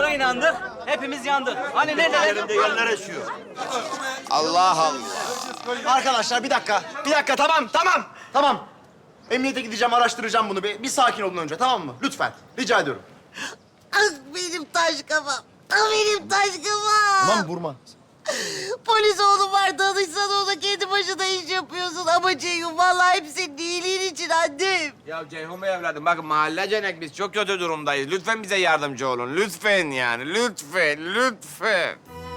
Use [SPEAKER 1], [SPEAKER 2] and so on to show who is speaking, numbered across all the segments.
[SPEAKER 1] Kime inandık? Hepimiz yandık. Hani neredeler?
[SPEAKER 2] Yerinde yerler esiyor.
[SPEAKER 3] Allah Allah.
[SPEAKER 4] Arkadaşlar bir dakika. Bir dakika tamam. Emniyete gideceğim araştıracağım bunu. Bir sakin olun önce tamam mı? Lütfen. Rica ediyorum.
[SPEAKER 5] Ah benim taş kafam. Ah benim taş kafam.
[SPEAKER 4] Tamam vurma.
[SPEAKER 5] Polis oğlum var danışsan ona kendi başına iş yapıyorsun. Ama Ceyhun vallahi hep senin iyiliğin için annem.
[SPEAKER 3] Ya Ceyhun Bey evladım bakın mahallecenek biz çok kötü durumdayız. Lütfen bize yardımcı olun. Lütfen yani lütfen.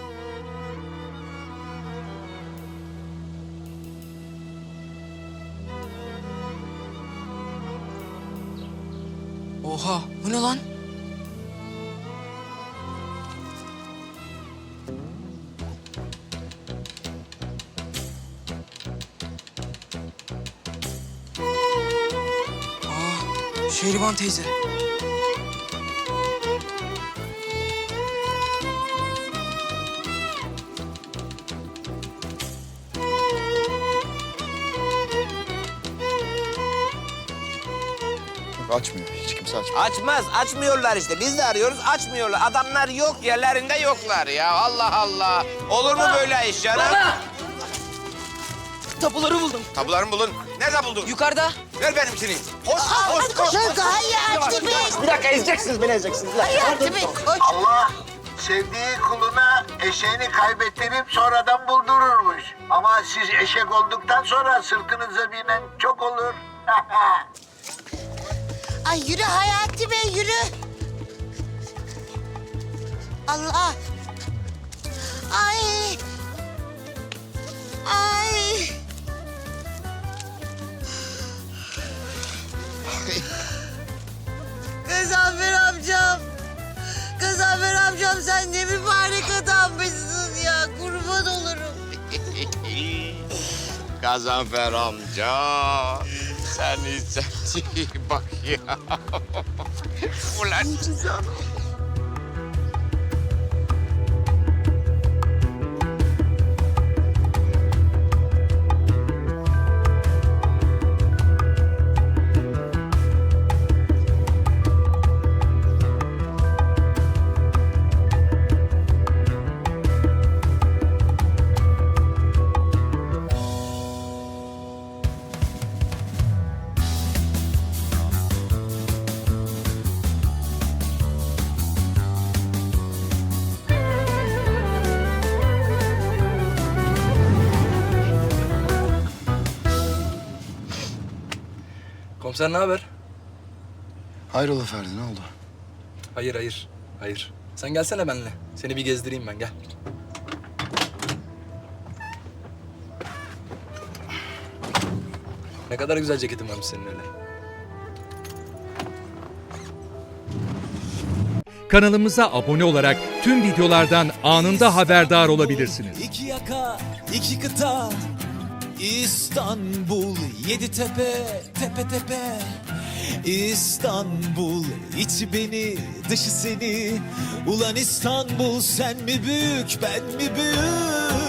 [SPEAKER 6] Oha, bu ne lan? Şehriban teyze.
[SPEAKER 4] Açmıyor. Hiç kimse açmıyor.
[SPEAKER 3] Açmıyorlar işte. Biz de arıyoruz, açmıyorlar. Adamlar yok, yerlerinde yoklar ya. Allah Allah. Olur mu böyle iş canım?
[SPEAKER 6] Tapuları buldum.
[SPEAKER 3] Tabularımı bulun. Nerede buldun?
[SPEAKER 6] Yukarıda.
[SPEAKER 3] Ver benimkini. Koş.
[SPEAKER 5] Hayati Bey.
[SPEAKER 4] Bir dakika ezeceksiniz beni ezeceksiniz.
[SPEAKER 5] Hayati Bey koş.
[SPEAKER 7] Allah sevdiği kuluna eşeğini kaybettirip sonradan buldururmuş. Ama siz eşek olduktan sonra sırtınıza binen çok olur.
[SPEAKER 5] Ay yürü Hayati Bey yürü. Allah. Ay. Gazanfer amcam. Gazanfer amcam sen ne mübarek adammışsın ya. Kurban olurum.
[SPEAKER 3] Gazanfer amca. Sen bak ya. Ulan.
[SPEAKER 8] Komiser ne haber?
[SPEAKER 4] Hayrola Ferdi ne oldu?
[SPEAKER 8] Hayır. Sen gelsene benimle. Seni bir gezdireyim ben, gel. Ne kadar güzel ceketin varmış senin öyle.
[SPEAKER 9] Kanalımıza abone olarak tüm videolardan anında haberdar olabilirsiniz.
[SPEAKER 10] İki yaka, iki kıta, İstanbul, yedi tepe, tepe tepe. İstanbul, içi beni, dışı seni. Ulan İstanbul, sen mi büyük, ben mi büyük?